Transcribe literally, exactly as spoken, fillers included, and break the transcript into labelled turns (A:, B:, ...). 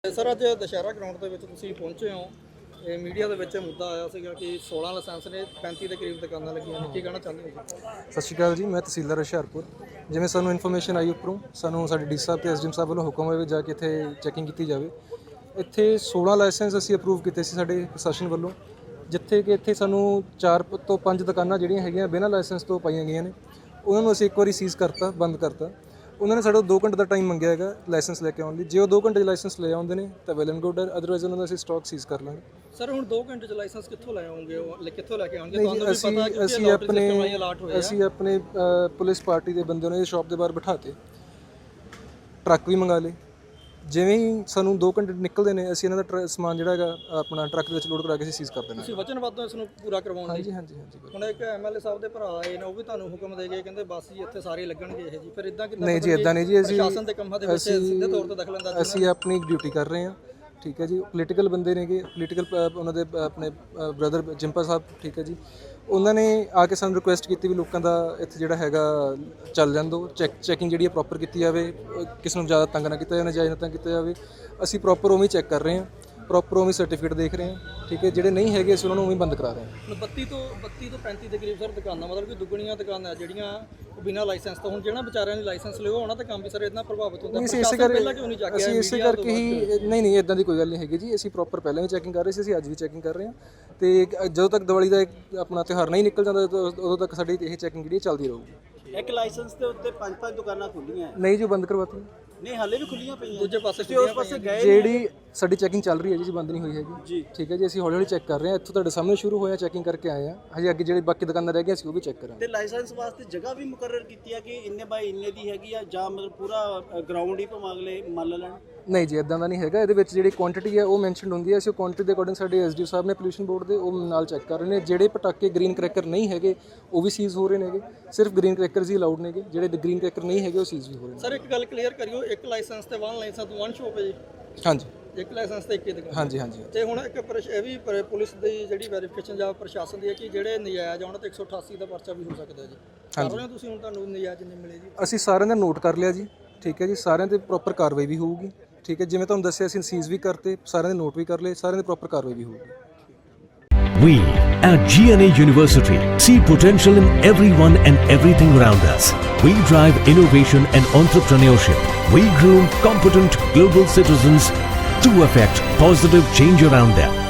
A: Sir अज Dussehra ground के तुसीं पहुंचे हो, ये मीडिया के विच मुद्दा आया सीगा कि सोलह लाइसेंस ने पैंती के करीब दुकानां लगियां ने, की कहना चाहते हो?
B: सत श्री अकाल जी, मैं तहसीलदार हुशियारपुर। जिवें सानूं इन्फॉर्मेशन आई उपरों, सानूं साडे डी साहब ते एस डी एम साहब वालों हुक्म होया जाके इत्थे चैकिंग की जाए। इत्थे सोलह लाइसेंस असीं अप्रूव कीते सी साडे प्रशासन वालों, जिथे कि इत्थे सानूं चार तो पंज दुकानां जिहड़ियां हैगीआं बिना लाइसेंस तो पाईआं गईआं ने, उन्हां नूं असीं एक वारी सीज़ करता, बंद करता। उन्होंने साढ़े दो घंटे का टाइम मंगया है लाइसेंस लैके आने लिए। जो दो घंटे लाइसेंस ले आते हैं तो वैल एंड गुड है, अदरवाइज उन्होंने असं स्टॉक सीज़ कर लेंगे।
A: सर हुण दो घंटे च लाइसेंस कित्थों ले आओगे, कित्थों लैके आउणगे?
B: नहीं जी, असी असी अपने असी अपने पुलिस पार्टी के बंदे ने शॉप के बाहर बिठाते, ट्रक भी मंगा ले। जिवें ही सानूं दो घंटे निकलते हैं, असीं इन्हां दा समान जिहड़ा हैगा अपना ट्रक दे विच लोड करा के असीं सीज़ कर देना।
A: तुसीं वचनबद्ध हो इस नूं पूरा करवाउण
B: हाँ
A: लई?
B: जी हाँ जी हाँ जी।
A: हुण एक एम एल ए साहब दे भरा आए ने, वो भी तुहानूं हुक्म दे गए, कहंदे बस जी इत्थे सारे लगणगे इह जी, फिर इदां किदां?
B: नहीं जी, इदां नहीं जी, असीं
A: प्रशासन दे कंमां दे विच सिੱਧੇ तौर ते दखलअंदाज़ी
B: ਅਸੀਂ ਆਪਣੀ ਡਿਊਟੀ ਕਰ ਰਹੇ ਹਾਂ। ਠੀਕ ਹੈ ਜੀ, ਪੋਲੀਟੀਕਲ ਬੰਦੇ ਨੇਗੇ, ਪੋਲੀਟੀਕਲ ਉਹਨਾਂ ਦੇ ਆਪਣੇ ਬ੍ਰਦਰ ਜਿੰਪਾ ਸਾਹਿਬ, ਠੀਕ ਹੈ ਜੀ, ਉਹਨਾਂ ਨੇ ਆ ਕੇ ਸਾਨੂੰ ਰਿਕੁਐਸਟ ਕੀਤੀ ਵੀ ਲੋਕਾਂ ਦਾ ਇੱਥੇ ਜਿਹੜਾ ਹੈਗਾ ਚੱਲ ਜਾਣ ਦਿਓ, ਚੈੱਕ ਚੈਕਿੰਗ ਜਿਹੜੀ ਹੈ ਪ੍ਰੋਪਰ ਕੀਤੀ ਜਾਵੇ, ਕਿਸੇ ਨੂੰ ਜ਼ਿਆਦਾ ਤੰਗ ਨਾ ਕੀਤਾ ਜਾਵੇ, ਨਜਾਇਜ਼ ਨਾ ਤੰਗ ਕੀਤਾ ਜਾਵੇ। ਅਸੀਂ ਪ੍ਰੋਪਰ ਉਵੇਂ ਚੈੱਕ ਕਰ ਰਹੇ ਹਾਂ, ਪ੍ਰੋਪਰ ਉਵੇਂ ਸਰਟੀਫਿਕੇਟ ਦੇਖ ਰਹੇ ਹਾਂ। ਠੀਕ ਹੈ, ਜਿਹੜੇ ਨਹੀਂ ਹੈਗੇ ਅਸੀਂ ਉਹਨਾਂ ਨੂੰ ਉਵੇਂ ਬੰਦ ਕਰਾ ਰਹੇ ਹਾਂ।
A: ਬੱਤੀ ਤੋਂ ਬੱਤੀ ਤੋਂ ਪੈਂਤੀ ਦੇ ਕਰੀਬ ਸਰ ਦੁਕਾਨਾਂ, ਮਤਲਬ ਕਿ ਦੁੱਗਣੀਆਂ ਦੁਕਾਨਾਂ ਜਿਹੜੀਆਂ ਬਿਨਾਂ ਲਾਇਸੈਂਸ ਤੋਂ। ਹੁਣ ਜਿਹੜਾ ਵਿਚਾਰਿਆਂ ਨੇ ਲਾਇਸੈਂਸ ਲਿਓ ਉਹਨਾਂ ਦਾ ਕੰਮ ਵੀ ਸਰ ਇਦਾਂ ਪ੍ਰਭਾਵਿਤ ਹੁੰਦਾ।
B: ਅਸੀਂ ਇਸੇ ਕਰਕੇ ਅਸੀਂ ਇਸੇ ਕਰਕੇ ਹੀ ਨਹੀਂ ਨਹੀਂ ਇਦਾਂ ਦੀ ਕੋਈ ਗੱਲ ਨਹੀਂ ਹੈਗੀ ਜੀ। ਅਸੀਂ ਪ੍ਰੋਪਰ ਪਹਿਲਾਂ ਵੀ ਚੈਕਿੰਗ ਕਰ ਰਹੇ ਸੀ, ਅਸੀਂ ਅੱਜ ਵੀ ਚੈਕਿੰਗ ਕਰ ਰਹੇ ਹਾਂ। ਤੇ ਜਦੋਂ ਤੱਕ ਦੀਵਾਲੀ ਦਾ ਆਪਣਾ ਤਿਉਹਾਰ ਨਹੀਂ ਨਿਕਲ ਜਾਂਦਾ ਉਦੋਂ ਤੱਕ ਸਾਡੀ ਇਹ ਚੈਕਿੰਗ ਜਿਹੜੀ ਚੱਲਦੀ ਰਹੂਗੀ।
C: ਇੱਕ ਲਾਇਸੈਂਸ ਦੇ ਉੱਤੇ ਪੰਜ ਪੰਜ ਦੁਕਾਨਾਂ ਖੁੱਲੀਆਂ
B: ਨਹੀਂ ਜੀ, ਬੰਦ ਕਰਵਾਤੀ।
C: ਨਹੀਂ ਹਾਲੇ ਵੀ ਖੁੱਲੀਆਂ ਪਈਆਂ,
A: ਦੂਜੇ ਪਾਸੇ
C: ਤੇ ਉਸ ਪਾਸੇ ਗਏ
B: ਜਿਹੜੀ ਸਾਡੀ ਚੈਕਿੰਗ ਚੱਲ ਰਹੀ ਹੈ ਜੀ, ਬੰਦ ਨਹੀਂ ਹੋਈ ਹੈਗੀ
C: ਜੀ।
B: ਠੀਕ ਹੈ ਜੀ, ਅਸੀਂ ਹੌਲੀ ਹੌਲੀ ਚੈੱਕ ਕਰ ਰਹੇ ਹਾਂ। ਇੱਥੋਂ ਤੁਹਾਡੇ ਸਾਹਮਣੇ ਸ਼ੁਰੂ ਹੋਇਆ, ਚੈਕਿੰਗ ਕਰਕੇ ਆਏ ਹਾਂ। ਹਜੇ ਅੱਗੇ ਜਿਹੜੇ ਬਾਕੀ ਦੁਕਾਨਾਂ ਰਹਿ ਗਈਆਂ ਅਸੀਂ ਉਹ ਵੀ ਚੈੱਕ ਕਰਾਂਗੇ।
C: ਤੇ ਲਾਇਸੈਂਸ ਵਾਸਤੇ ਜਗ੍ਹਾ ਵੀ ਮੁਕਰਰ ਕੀਤੀ ਆ ਕਿ ਇੰਨੇ ਬਾਈ ਇੰਨੇ ਦੀ ਹੈਗੀ ਆ, ਜਾਂ ਮਤਲਬ ਪੂਰਾ ਗਰਾਊਂਡ ਹੀ ਭਾਵੇਂ ਅਗਲੇ ਮੰਨ ਲੈਣ?
B: ਨਹੀਂ ਜੀ, ਇਦਾਂ ਦਾ ਨਹੀਂ ਹੈਗਾ। ਇਹਦੇ ਵਿੱਚ ਜਿਹੜੀ ਕੁਆਂਟੀਟੀ ਹੈ ਉਹ ਮੈਂਸ਼ਨਡ ਹੁੰਦੀ ਹੈ। ਅਸੀਂ ਉਹ ਕੁਆਂਟੀਟੀ ਦੇ ਅਕੋਰਡਿੰਗ ਸਾਡੇ ਐਸ ਡੀ ਓ ਸਾਹਿਬ ਨੇ ਪੋਲਿਊਸ਼ਨ ਬੋਰਡ ਦੇ ਉਹ ਨਾਲ ਚੈੱਕ ਕਰ ਰਹੇ ਨੇ। ਜਿਹੜੇ ਪਟਾਕੇ ਗ੍ਰੀਨ ਕਰੈਕਰ ਨਹੀਂ ਹੈਗੇ ਉਹ ਵੀ ਸੀਜ਼ ਹੋ ਰਹੇ ਨੇਗੇ, ਸਿਰਫ ਗ੍ਰੀਨ ਕਰੈਕਰਸ ਹੀ ਅਲਾਉਡ ਨੇਗੇ। ਜਿਹੜੇ ਗ੍ਰੀਨ ਕਰੈਕਰ ਨਹੀਂ ਹੈਗੇ ਉਹ ਸੀਜ਼ ਵੀ ਹੋ ਰਹੇ ਨੇ।
A: ਸਰ ਇੱਕ ਗੱਲ ਕਲੀਅਰ ਕਰਿਓ, ਇੱਕ ਲਾਇਸੈਂਸ ਤੇ ਵਨ ਲਾਇਸੈਂਸ ਤੋਂ ਵਨ ਸ਼ੋਪ ਹੈ ਜੀ?
B: ਹਾਂਜੀ,
A: ਇੱਕ ਲਾਇਸੈਂਸ ਤੇ ਇੱਕ ਹੀ ਦੁਕਾਨ।
B: ਹਾਂਜੀ ਹਾਂਜੀ।
A: ਤੇ ਹੁਣ ਇੱਕ ਪ੍ਰਸ਼- ਇਹ ਵੀ ਪਰ- ਪੁਲਿਸ ਦੀ ਜਿਹੜੀ ਵੈਰੀਫਿਕੇਸ਼ਨ ਜਾਂ ਪ੍ਰਸ਼ਾਸਨ ਦੀ ਹੈ ਕਿ ਜਿਹੜੇ ਨਜਾਇਜ਼ ਆਉਣ ਤੇ ਇੱਕ ਸੌ ਅਠਾਸੀ ਦਾ ਪਰਚਾ ਵੀ ਹੋ ਸਕਦਾ ਜੀ। ਕਰ ਰਹੇ ਹੋ ਤੁਸੀਂ? ਹੁਣ ਤੁਹਾਨੂੰ ਨਜਾਇਜ਼ ਨਹੀਂ ਮਿਲੇ ਜੀ?
B: ਅਸੀਂ ਸਾਰਿਆਂ ਦਾ ਨੋਟ ਕਰ ਲਿਆ ਜੀ। ਠੀਕ ਹੈ ਜੀ, ਸਾਰਿਆਂ ਤੇ ਪ੍ਰੋਪਰ ਕਾਰਵਾਈ ਵੀ ਹੋਊਗੀ। ਠੀਕ ਹੈ, ਜਿਵੇਂ ਤੁਹਾਨੂੰ ਦੱਸਿਆ ਅਸੀਂ ਸੀਜ਼ ਵੀ ਕਰਤੇ, ਸਾਰਿਆਂ ਦੇ ਨੋਟ ਵੀ ਕਰ ਲਏ, ਸਾਰਿਆਂ ਦੀ ਪ੍ਰੋਪਰ ਕਾਰਵਾਈ ਵੀ ਹੋਊਗੀ।
D: We at G N A University see potential in everyone and everything around us. We drive innovation and entrepreneurship. We groom competent global citizens to affect positive change around them.